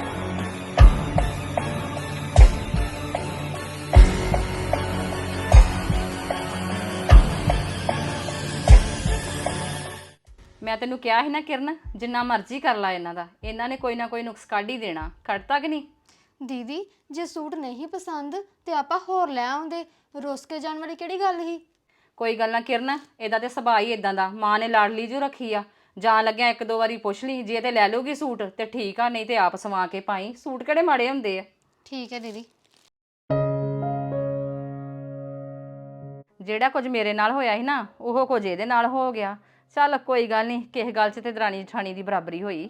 ਮੈਂ ਤੈਨੂੰ ਕਿਹਾ ਸੀ ਨਾ ਕਿਰਨ, ਜਿੰਨਾ ਮਰਜ਼ੀ ਕਰ ਲਾ ਇਹਨਾਂ ਦਾ, ਇਹਨਾਂ ਨੇ ਕੋਈ ਨਾ ਕੋਈ ਨੁਕਸ ਕੱਢ ਹੀ ਦੇਣਾ। ਕੱਢਤਾ ਕਿ ਨਹੀਂ? ਦੀਦੀ ਜੇ ਸੂਟ ਨਹੀਂ ਪਸੰਦ ਤੇ ਆਪਾਂ ਹੋਰ ਲੈ ਆਉਂਦੇ, ਰੁੱਸ ਕੇ ਜਾਣ ਵਾਲੀ ਕਿਹੜੀ ਗੱਲ ਸੀ? ਕੋਈ ਗੱਲ ਨਾ ਕਿਰਨ, ਇਹਦਾ ਤੇ ਸੁਭਾਅ ਹੀ ਇਦਾਂ ਦਾ। ਮਾਂ ਨੇ ਲਾਡਲੀ ਜੋ ਰੱਖੀ ਆ, ਜਾਣ ਲੱਗਿਆ ਇੱਕ ਦੋ ਵਾਰੀ ਪੁੱਛ ਲਈ, ਜੇ ਤੇ ਲੈ ਲੂਗੀ ਸੂਟ ਤੇ ਠੀਕ ਆ, ਨਹੀਂ ਤੇ ਆਪ ਸਵਾ ਕੇ ਪਾਈ। ਸੂਟ ਕਿਹੜੇ ਮਾੜੇ ਹੁੰਦੇ ਆ। ਠੀਕ ਹੈ ਦੀਦੀ। ਜਿਹੜਾ ਕੁਝ ਮੇਰੇ ਨਾਲ ਹੋਇਆ ਸੀ ਨਾ, ਉਹ ਕੁਝ ਇਹਦੇ ਨਾਲ ਹੋ ਗਿਆ। ਚੱਲ ਕੋਈ ਗੱਲ ਨਹੀਂ, ਕਿਸੇ ਗੱਲ 'ਚ ਤੇ ਦਰਾਣੀ ਜਠਾਣੀ ਦੀ ਬਰਾਬਰੀ ਹੋਈ।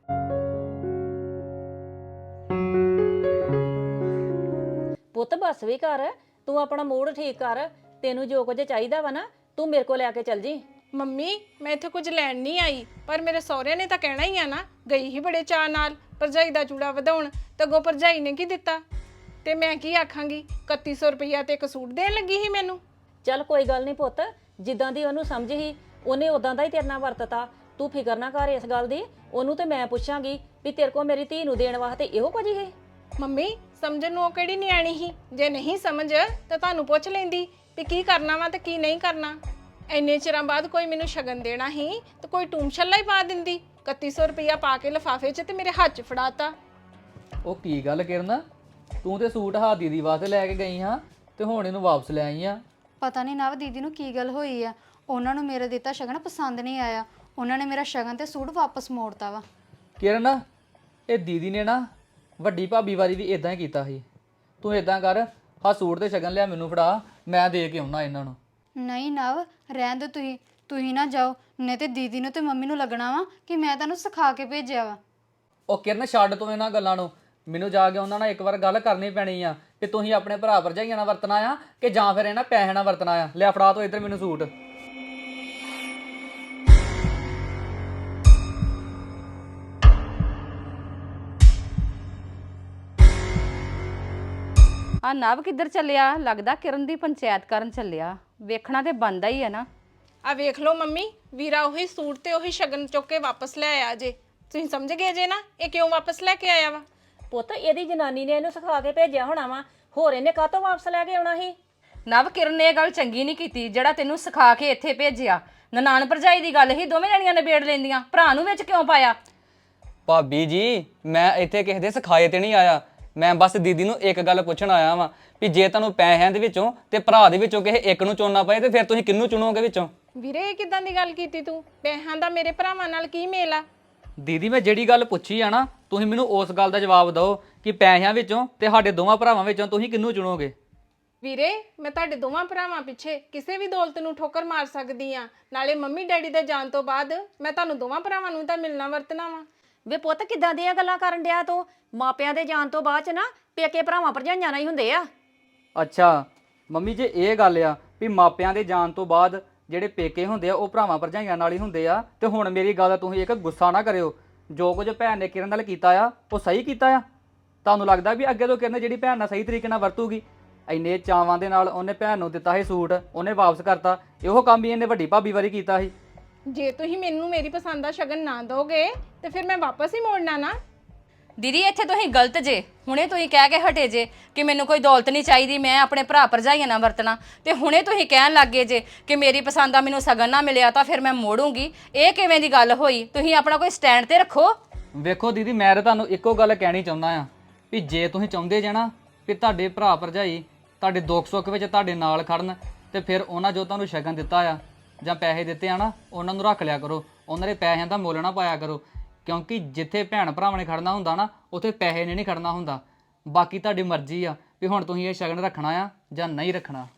ਪੁੱਤ ਬਸ ਵੀ ਕਰ, ਤੂੰ ਆਪਣਾ ਮੂਡ ਠੀਕ ਕਰ। ਤੈਨੂੰ ਜੋ ਕੁਝ ਚਾਹੀਦਾ ਵਾ ਨਾ, ਤੂੰ ਮੇਰੇ ਕੋਲ ਲੈ ਕੇ ਚੱਲ ਜੀ। ਮੰਮੀ ਮੈਂ ਇੱਥੇ ਕੁਝ ਲੈਣ ਨਹੀਂ ਆਈ, ਪਰ ਮੇਰੇ ਸਹੁਰਿਆਂ ਨੇ ਤਾਂ ਕਹਿਣਾ ਹੀ ਆ ਨਾ। ਗਈ ਹੀ ਬੜੇ ਚਾਅ ਨਾਲ ਭਰਜਾਈ ਦਾ ਚੂੜਾ ਵਧਾਉਣ, ਤੇ ਅੱਗੋਂ ਭਰਜਾਈ ਨੇ ਕੀ ਦਿੱਤਾ ਤੇ ਮੈਂ ਕੀ ਆਖਾਂਗੀ? ਇਕੱਤੀ ਸੌ ਰੁਪਈਆ ਤੇ ਇੱਕ ਸੂਟ ਦੇਣ ਲੱਗੀ ਸੀ ਮੈਨੂੰ। ਚੱਲ ਕੋਈ ਗੱਲ ਨਹੀਂ ਪੁੱਤ, ਜਿੱਦਾਂ ਦੀ ਉਹਨੂੰ ਸਮਝ ਸੀ ਉਹਨੇ ਉਦਾਂ ਦਾ ਹੀ ਤੇਰੇ ਨਾਲ ਵਰਤਤਾ। ਤੂੰ ਫਿਕਰ ਨਾ ਕਰ ਇਸ ਗੱਲ ਦੀ। ਉਹਨੂੰ ਤੇ ਮੈਂ ਪੁੱਛਾਂਗੀ ਵੀ ਤੇਰੇ ਕੋਲ ਮੇਰੀ ਧੀ ਨੂੰ ਦੇਣ ਵਾਸਤੇ ਇਹੋ ਕੁਝ ਹੀ। ਮੰਮੀ ਸਮਝਣ ਨੂੰ ਉਹ ਕਿਹੜੀ ਨਿਆਣੀ ਸੀ? ਜੇ ਨਹੀਂ ਸਮਝ ਤਾਂ ਤੁਹਾਨੂੰ ਪੁੱਛ ਲੈਂਦੀ ਵੀ ਕੀ ਕਰਨਾ ਵਾ ਤੇ ਕੀ ਨਹੀਂ ਕਰਨਾ। ਇੰਨੇ ਚਿਰਾਂ ਬਾਅਦ ਕੋਈ ਮੈਨੂੰ ਸ਼ਗਨ ਦੇਣਾ ਸੀ ਤੇ ਕੋਈ ਟੂਮ ਛੱਲਾ ਹੀ ਪਾ ਦਿੰਦੀ। ਇਕੱਤੀ ਸੌ ਰੁਪਈਆ ਪਾ ਕੇ ਲਿਫਾਫੇ 'ਚ ਤੇ ਮੇਰੇ ਹੱਥ 'ਚ ਫੜਾਤਾ। ਉਹ ਕੀ ਗੱਲ ਕਿਰਨ, ਤੂੰ ਤੇ ਸੂਟ ਹਾਂ ਦੀਦੀ ਵਾਸਤੇ ਲੈ ਕੇ ਗਈ ਹਾਂ ਤੇ ਹੁਣ ਇਹਨੂੰ ਵਾਪਸ ਲੈ ਆਈ ਆ। ਪਤਾ ਨਹੀਂ ਨਵ ਦੀਦੀ ਨੂੰ ਕੀ ਗੱਲ ਹੋਈ ਆ, ਉਹਨਾਂ ਨੂੰ ਮੇਰਾ ਦਿੱਤਾ ਸ਼ਗਨ ਪਸੰਦ ਨਹੀਂ ਆਇਆ। ਉਹਨਾਂ ਨੇ ਮੇਰਾ ਸ਼ਗਨ ਤੇ ਸੂਟ ਵਾਪਸ ਮੋੜਤਾ ਵਾ। ਕਿਰਨ, ਇਹ ਦੀਦੀ ਨੇ ਨਾ ਵੱਡੀ ਭਾਬੀ ਵਾਰੀ ਵੀ ਇਦਾਂ ਹੀ ਕੀਤਾ ਸੀ। ਤੂੰ ਇਦਾਂ ਕਰ, ਆਹ ਸੂਟ ਤੇ ਸ਼ਗਨ ਲਿਆ ਮੈਨੂੰ ਫੜਾ, ਮੈਂ ਦੇ ਕੇ ਆਉਣਾ ਇਹਨਾਂ ਨੂੰ। ਨਹੀਂ ਨਵ ਰਹਿਣ ਦਿਓ, ਤੁਸੀਂ ਤੁਸੀਂ ਨਾ ਜਾਓ, ਨਹੀਂ ਤੇ ਦੀਦੀ ਨੂੰ ਤੇ ਮੰਮੀ ਨੂੰ ਲੱਗਣਾ ਵਾ ਕਿ ਮੈਂ ਤੁਹਾਨੂੰ ਸਿਖਾ ਕੇ ਭੇਜਿਆ ਵਾ। ਉਹ ਕਿਰਨ ਛੱਡ ਤੂੰ ਇਹਨਾਂ ਗੱਲਾਂ ਨੂੰ, ਮੈਨੂੰ ਜਾ ਕੇ ਉਹਨਾਂ ਨਾਲ ਇੱਕ ਵਾਰ ਗੱਲ ਕਰਨੀ ਪੈਣੀ ਆ ਕਿ ਤੁਸੀਂ ਆਪਣੇ ਭਰਾ ਭਰਜਾਈਆਂ ਨਾਲ ਵਰਤਣਾ ਆ ਕਿ ਜਾਂ ਫਿਰ ਇਹਨਾਂ ਪੈਸੇ ਨਾਲ ਵਰਤਣਾ ਆ। ਲਿਆ ਫੜਾ ਤੋ ਇੱਧਰ ਮੈਨੂੰ ਸੂਟ। ਆ ਨਵ ਕਿੱਧਰ ਚੱਲਿਆ? ਲੱਗਦਾ ਕਿਰਨ ਦੀ ਪੰਚਾਇਤ ਕਰਨ ਚੱਲਿਆ। ਵੇਖਣਾ ਤੇ ਬਣਦਾ ਹੀ ਆ ਨਾ। ਆ ਵੇਖ ਲਓ ਮੰਮੀ, ਵੀਰਾ ਉਹੀ ਸੂਟ ਤੇ ਉਹੀ ਸ਼ਗਨ ਚੁੱਕ ਕੇ ਵਾਪਸ ਲੈ ਆਇਆ ਜੇ। ਤੁਸੀਂ ਸਮਝ ਗਏ ਜੇ ਨਾ ਇਹ ਕਿਉਂ ਵਾਪਸ ਲੈ ਕੇ ਆਇਆ ਵਾ? ਪੁੱਤ ਇਹਦੀ ਜਨਾਨੀ ਨੇ ਇਹਨੂੰ ਸਿਖਾ ਕੇ ਭੇਜਿਆ ਹੋਣਾ ਵਾ, ਹੋਰ ਇਹਨੇ ਕਾਹਤੋਂ ਵਾਪਸ ਲੈ ਕੇ ਆਉਣਾ ਸੀ? ਨਵ ਕਿਰਨ ਨੇ ਇਹ ਗੱਲ ਚੰਗੀ ਨਹੀਂ ਕੀਤੀ ਜਿਹੜਾ ਤੈਨੂੰ ਸਿਖਾ ਕੇ ਇੱਥੇ ਭੇਜਿਆ। ਨਨਾਣ ਭਰਜਾਈ ਦੀ ਗੱਲ ਹੀ ਦੋਵੇਂ ਜਣੀਆਂ ਨਿਬੇੜ ਲੈਂਦੀਆਂ, ਭਰਾ ਨੂੰ ਵਿੱਚ ਕਿਉਂ ਪਾਇਆ? ਭਾਬੀ ਜੀ ਮੈਂ ਇੱਥੇ ਕਿਸੇ ਦੇ ਸਿਖਾਏ ਤੇ ਨਹੀਂ ਆਇਆ। ਮੈਂ ਬਸ ਦੀਦੀ ਨੂੰ ਇੱਕ ਗੱਲ ਪੁੱਛਣ ਆਇਆ ਵਾਂ ਵੀ ਜੇ ਤੁਹਾਨੂੰ ਪੈਸਿਆਂ ਦੇ ਵਿੱਚੋਂ ਤੇ ਭਰਾ ਦੇ ਵਿੱਚੋਂ ਕਿਸੇ ਇੱਕ ਨੂੰ ਚੁਣਨਾ ਪਏ ਤੇ ਫਿਰ ਤੁਸੀਂ ਕਿਹਨੂੰ ਚੁਣੋਗੇ ਵਿੱਚੋਂ? ਵੀਰੇ ਇਹ ਕਿਦਾਂ ਦੀ ਗੱਲ ਕੀਤੀ ਤੂੰ? ਪੈਸਿਆਂ ਦਾ ਮੇਰੇ ਭਰਾਵਾਂ ਨਾਲ ਕੀ ਮੇਲ ਆ? ਦੀਦੀ ਮੈਂ ਜਿਹੜੀ ਗੱਲ ਪੁੱਛੀ ਆ ਨਾ, ਤੁਸੀਂ ਮੈਨੂੰ ਉਸ ਗੱਲ ਦਾ ਜਵਾਬ ਦਿਓ ਕਿ ਪੈਸਿਆਂ ਵਿੱਚੋਂ ਤੇ ਸਾਡੇ ਦੋਵਾਂ ਭਰਾਵਾਂ ਵਿੱਚੋਂ ਤੁਸੀਂ ਕਿਹਨੂੰ ਚੁਣੋਗੇ? ਵੀਰੇ ਮੈਂ ਤੁਹਾਡੇ ਦੋਵਾਂ ਭਰਾਵਾਂ ਪਿੱਛੇ ਕਿਸੇ ਵੀ ਦੌਲਤ ਨੂੰ ਠੋਕਰ ਮਾਰ ਸਕਦੀ ਆ। ਨਾਲੇ ਮੰਮੀ ਡੈਡੀ ਦੇ ਜਾਣ ਤੋਂ ਬਾਅਦ ਮੈਂ ਤੁਹਾਨੂੰ ਦੋਵਾਂ ਭਰਾਵਾਂ ਨੂੰ ਤਾਂ ਮਿਲਣਾ ਵਰਤਣਾ ਵਾ। ਵੇ ਪੁੱਤ ਕਿੱਦਾਂ ਦੀਆਂ ਗੱਲਾਂ ਕਰਨ ਡਿਆ ਤੂੰ? ਮਾਪਿਆਂ ਦੇ ਜਾਣ ਤੋਂ ਬਾਅਦ ਚ ਨਾ ਪੇਕੇ ਭਰਾਵਾਂ ਭਰਜਾਈਆਂ ਨਾਲ ਹੀ ਹੁੰਦੇ ਆ। ਅੱਛਾ ਮੰਮੀ, ਜੇ ਇਹ ਗੱਲ ਆ ਵੀ ਮਾਪਿਆਂ ਦੇ ਜਾਣ ਤੋਂ ਬਾਅਦ ਜਿਹੜੇ ਪੇਕੇ ਹੁੰਦੇ ਆ ਉਹ ਭਰਾਵਾਂ ਭਰਜਾਈਆਂ ਨਾਲ ਹੀ ਹੁੰਦੇ ਆ, ਤੇ ਹੁਣ ਮੇਰੀ ਗੱਲ ਦਾ ਤੁਸੀਂ ਇੱਕ ਗੁੱਸਾ ਨਾ ਕਰਿਓ। ਜੋ ਕੁਝ ਭੈਣ ਨੇ ਕਿਰਨ ਨਾਲ ਕੀਤਾ ਆ ਉਹ ਸਹੀ ਕੀਤਾ ਆ। ਤੁਹਾਨੂੰ ਲੱਗਦਾ ਵੀ ਅੱਗੇ ਤੋਂ ਕਿਰਨ ਜਿਹੜੀ ਭੈਣ ਨਾਲ ਸਹੀ ਤਰੀਕੇ ਨਾਲ ਵਰਤੂਗੀ? ਇੰਨੇ ਚਾਵਾਂ ਦੇ ਨਾਲ ਉਹਨੇ ਭੈਣ ਨੂੰ ਦਿੱਤਾ ਸੀ ਸੂਟ, ਉਹਨੇ ਵਾਪਸ ਕਰਤਾ। ਇਹੋ ਕੰਮ ਹੀ ਇਹਨੇ ਵੱਡੀ ਭਾਬੀ ਵਾਰੀ ਕੀਤਾ ਸੀ। ਜੇ ਤੁਸੀਂ ਮੈਨੂੰ ਮੇਰੀ ਪਸੰਦ ਦਾ ਸ਼ਗਨ ਨਾ ਦੋਗੇ ਤੇ ਫਿਰ ਮੈਂ ਵਾਪਸ ਹੀ ਮੋੜਨਾ ਨਾ। ਦੀਦੀ ਇੱਥੇ ਤੁਸੀਂ ਗਲਤ ਜੇ। ਹੁਣੇ ਤੁਸੀਂ ਕਹਿ ਕੇ ਹਟੇ ਜੇ ਕਿ ਮੈਨੂੰ ਕੋਈ ਦੌਲਤ ਨਹੀਂ ਚਾਹੀਦੀ, ਮੈਂ ਆਪਣੇ ਭਰਾ ਭਰਜਾਈਆਂ ਨਾਲ ਵਰਤਣਾ, ਤੇ ਹੁਣੇ ਤੁਸੀਂ ਕਹਿਣ ਲੱਗੇ ਜੇ ਕਿ ਮੇਰੀ ਪਸੰਦ ਦਾ ਮੈਨੂੰ ਸਗਨ ਨਾ ਮਿਲਿਆ ਤਾਂ ਫਿਰ ਮੈਂ ਮੋੜੂੰਗੀ। ਇਹ ਕਿਵੇਂ ਦੀ ਗੱਲ ਹੋਈ? ਤੁਸੀਂ ਆਪਣਾ ਕੋਈ ਸਟੈਂਡ ਤੇ ਰੱਖੋ। ਵੇਖੋ ਦੀਦੀ, ਮੈਂ ਤਾਂ ਤੁਹਾਨੂੰ ਇੱਕੋ ਗੱਲ ਕਹਿਣੀ ਚਾਹੁੰਦਾ ਆ ਵੀ ਜੇ ਤੁਸੀਂ ਚਾਹੁੰਦੇ ਜੇ ਨਾ ਵੀ ਤੁਹਾਡੇ ਭਰਾ ਭਰਜਾਈ ਤੁਹਾਡੇ ਦੁੱਖ ਸੁੱਖ ਵਿੱਚ ਤੁਹਾਡੇ ਨਾਲ ਖੜਨ, ਤੇ ਫਿਰ ਉਹਨਾਂ ਜੋ ਤੁਹਾਨੂੰ ਸ਼ਗਨ ਦਿੱਤਾ ਆ ਜਾਂ ਪੈਸੇ ਦਿੱਤੇ ਆ ਨਾ, ਉਹਨਾਂ ਨੂੰ ਰੱਖ ਲਿਆ ਕਰੋ। ਉਹਨਾਂ ਦੇ ਪੈਸਿਆਂ ਦਾ ਮੁੱਲ ਨਾ ਪਾਇਆ ਕਰੋ, ਕਿਉਂਕਿ ਜਿੱਥੇ ਭੈਣ ਭਰਾਵਾਂ ਨੇ ਖੜਨਾ ਹੁੰਦਾ ਨਾ ਉੱਥੇ ਪੈਸੇ ਨੇ ਨਹੀਂ ਖੜਨਾ ਹੁੰਦਾ। ਬਾਕੀ ਤੁਹਾਡੀ ਮਰਜ਼ੀ ਆ ਵੀ ਹੁਣ ਤੁਸੀਂ ਇਹ ਸ਼ਗਨ ਰੱਖਣਾ ਆ ਜਾਂ ਨਹੀਂ ਰੱਖਣਾ।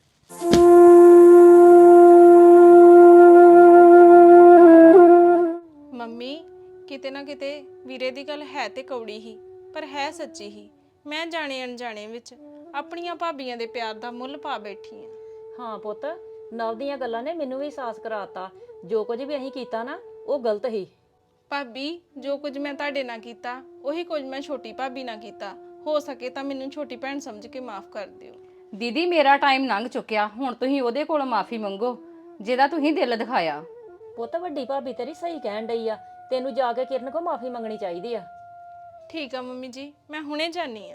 ਮੰਮੀ ਕਿਤੇ ਨਾ ਕਿਤੇ ਵੀਰੇ ਦੀ ਗੱਲ ਹੈ ਤੇ ਕੌੜੀ ਹੀ, ਪਰ ਹੈ ਸੱਚੀ ਹੀ। ਮੈਂ ਜਾਣੇ ਅਣਜਾਣੇ ਵਿੱਚ ਆਪਣੀਆਂ ਭਾਬੀਆਂ ਦੇ ਪਿਆਰ ਦਾ ਮੁੱਲ ਪਾ ਬੈਠੀ ਆ। ਹਾਂ ਪੁੱਤ, ਨਵ ਦੀਆਂ ਗੱਲਾਂ ਨੇ ਮੈਨੂੰ ਵੀ ਅਹਿਸਾਸ ਕਰਾਤਾ ਜੋ ਕੁਝ ਵੀ ਅਸੀਂ ਕੀਤਾ ਨਾ ਉਹ ਗਲਤ ਸੀ। ਭਾਬੀ ਜੋ ਕੁਝ ਮੈਂ ਤੁਹਾਡੇ ਨਾਲ ਕੀਤਾ ਉਹੀ ਕੁਝ ਮੈਂ ਛੋਟੀ ਭਾਬੀ ਨਾਲ ਕੀਤਾ। ਹੋ ਸਕੇ ਤਾਂ ਮੈਨੂੰ ਛੋਟੀ ਭੈਣ ਸਮਝ ਕੇ ਮਾਫ ਕਰ ਦਿਓ। ਦੀਦੀ ਮੇਰਾ ਟਾਈਮ ਲੰਘ ਚੁੱਕਿਆ, ਹੁਣ ਤੁਸੀਂ ਉਹਦੇ ਕੋਲੋਂ ਮਾਫੀ ਮੰਗੋ ਜਿਹਦਾ ਤੁਸੀਂ ਦਿਲ ਦਿਖਾਇਆ। ਪੁੱਤ ਵੱਡੀ ਭਾਬੀ ਤੇਰੀ ਸਹੀ ਕਹਿਣ ਡਈ ਆ, ਤੈਨੂੰ ਜਾ ਕੇ ਕਿਰਨ ਕੋ ਮਾਫੀ ਮੰਗਣੀ ਚਾਹੀਦੀ ਆ। ਠੀਕ ਆ ਮੰਮੀ ਜੀ, ਮੈਂ ਹੁਣੇ ਜਾਨੀ ਆ।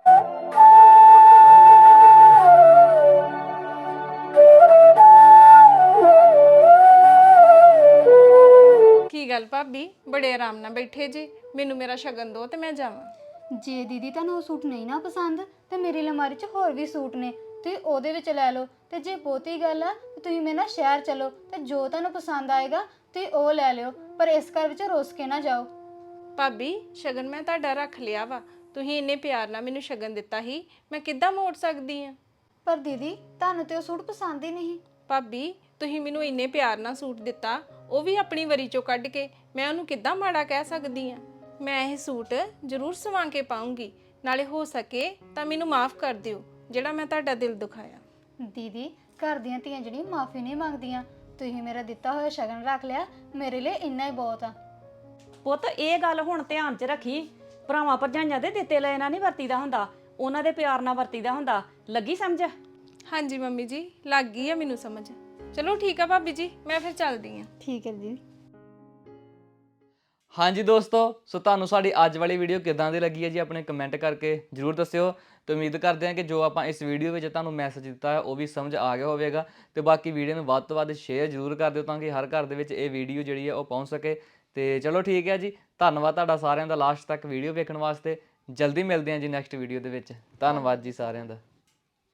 ਕੀ ਗੱਲ ਭਾਬੀ, ਬੜੇ ਆਰਾਮ ਨਾਲ ਬੈਠੇ ਜੀ। ਮੈਨੂੰ ਮੇਰਾ ਸ਼ਗਨ ਦਿਓ ਤੇ ਮੈਂ ਜਾਵਾਂ। ਜੇ ਦੀਦੀ ਤੁਹਾਨੂੰ ਉਹ ਸੂਟ ਨਹੀਂ ਨਾ ਪਸੰਦ ਤੇ ਮੇਰੀ ਅਲਮਾਰੀ 'ਚ ਹੋਰ ਵੀ ਸੂਟ ਨੇ, ਤੁਸੀਂ ਉਹਦੇ ਵਿੱਚ ਲੈ ਲਓ। ਤੇ ਜੇ ਬਹੁਤੀ ਗੱਲ ਆ ਤੇ ਤੁਸੀਂ ਮੇਰੇ ਨਾਲ ਸ਼ਹਿਰ ਚਲੋ ਤੇ ਜੋ ਤੁਹਾਨੂੰ ਪਸੰਦ ਆਏਗਾ ਤੁਸੀਂ ਉਹ ਲੈ ਲਿਓ, ਪਰ ਇਸ ਘਰ ਵਿੱਚ ਰੁੱਸ ਕੇ ਨਾ ਜਾਓ। ਭਾਬੀ ਸ਼ਗਨ ਮੈਂ ਤੁਹਾਡਾ ਰੱਖ ਲਿਆ ਵਾ, ਤੁਸੀਂ ਇੰਨੇ ਪਿਆਰ ਨਾਲ ਮੈਨੂੰ ਸ਼ਗਨ ਦਿੱਤਾ ਸੀ, ਮੈਂ ਕਿੱਦਾਂ ਮੋੜ ਸਕਦੀ ਆ? ਪਰ ਦੀਦੀ ਤੁਹਾਨੂੰ ਤੇ ਉਹ ਸੂਟ ਪਸੰਦ ਹੀ ਨਹੀਂ। ਭਾਬੀ ਤੁਸੀਂ ਮੈਨੂੰ ਇੰਨੇ ਪਿਆਰ ਨਾਲ ਸੂਟ ਦਿੱਤਾ, ਉਹ ਵੀ ਆਪਣੀ ਵਰੀ ਚੋਂ ਕੱਢ ਕੇ, ਮੈਂ ਉਹਨੂੰ ਕਿੱਦਾਂ ਮਾੜਾ ਕਹਿ ਸਕਦੀ ਆ? ਮੈਂ ਇਹ ਸੂਟ ਜ਼ਰੂਰ ਸਵਾ ਕੇ ਪਾਉਂਗੀ, ਨਾਲੇ ਹੋ ਸਕੇ ਤਾਂ ਮੈਨੂੰ ਮਾਫ ਕਰ ਦਿਓ ਜਿਹੜਾ ਮੈਂ ਤੁਹਾਡਾ ਦਿਲ ਦੁਖਾਇਆ। ਦੀਦੀ ਘਰ ਦੀਆਂ ਧੀਆਂ ਜਿਹੜੀਆਂ ਮਾਫੀ ਨਹੀਂ ਮੰਗਦੀਆਂ, ਤੁਸੀਂ ਮੇਰਾ ਦਿੱਤਾ ਹੋਇਆ ਸ਼ਗਨ ਰੱਖ ਲਿਆ, ਮੇਰੇ ਲਈ ਇੰਨਾ ਹੀ ਬਹੁਤ ਆ। ਪੁੱਤ ਇਹ ਗੱਲ ਹੁਣ ਧਿਆਨ 'ਚ ਰੱਖੀ, ਭਰਾਵਾਂ ਭਰਜਾਈਆਂ ਦੇ ਦਿੱਤੇ ਲਏ ਨਾਲ ਨਹੀਂ ਵਰਤੀਦਾ ਹੁੰਦਾ, ਉਹਨਾਂ ਦੇ ਪਿਆਰ ਨਾਲ ਵਰਤੀਦਾ ਹੁੰਦਾ। ਲੱਗੀ ਸਮਝ? ਹਾਂਜੀ ਮੰਮੀ ਜੀ, ਲੱਗ ਗਈ ਆ ਮੈਨੂੰ ਸਮਝ। ਚਲੋ ਠੀਕ ਆ ਭਾਬੀ ਜੀ, ਮੈਂ ਫਿਰ ਚੱਲਦੀ ਆ। ਠੀਕ ਹੈ ਦੀਦੀ। ਹਾਂਜੀ ਦੋਸਤੋ, ਸੋ ਤੁਹਾਨੂੰ ਸਾਡੀ ਅੱਜ ਵਾਲੀ ਵੀਡੀਓ ਕਿਦਾਂ ਦੀ ਲੱਗੀ ਹੈ ਜੀ, ਆਪਣੇ ਕਮੈਂਟ ਕਰਕੇ ਜਰੂਰ ਦੱਸਿਓ। ਤੇ ਉਮੀਦ ਕਰਦੇ ਹਾਂ ਕਿ ਜੋ ਆਪਾਂ ਇਸ ਵੀਡੀਓ ਵਿੱਚ ਤੁਹਾਨੂੰ ਮੈਸੇਜ ਦਿੱਤਾ ਹੈ ਉਹ ਵੀ ਸਮਝ ਆ ਗਿਆ ਹੋਵੇਗਾ। ਤੇ ਬਾਕੀ ਵੀਡੀਓ ਨੂੰ ਵੱਧ ਤੋਂ ਵੱਧ ਸ਼ੇਅਰ ਜਰੂਰ ਕਰ ਦਿਓ ਤਾਂ ਕਿ ਹਰ ਘਰ ਦੇ ਵਿੱਚ ਇਹ ਵੀਡੀਓ ਜਿਹੜੀ ਹੈ ਉਹ ਪਹੁੰਚ ਸਕੇ। ਤੇ ਚਲੋ ਠੀਕ ਹੈ ਜੀ, ਧੰਨਵਾਦ ਤੁਹਾਡਾ ਸਾਰਿਆਂ ਦਾ ਲਾਸਟ ਤੱਕ ਵੀਡੀਓ ਵੇਖਣ ਵਾਸਤੇ। ਜਲਦੀ ਮਿਲਦੇ ਹਾਂ ਜੀ ਨੈਕਸਟ ਵੀਡੀਓ ਦੇ ਵਿੱਚ। ਧੰਨਵਾਦ ਜੀ ਸਾਰਿਆਂ ਦਾ।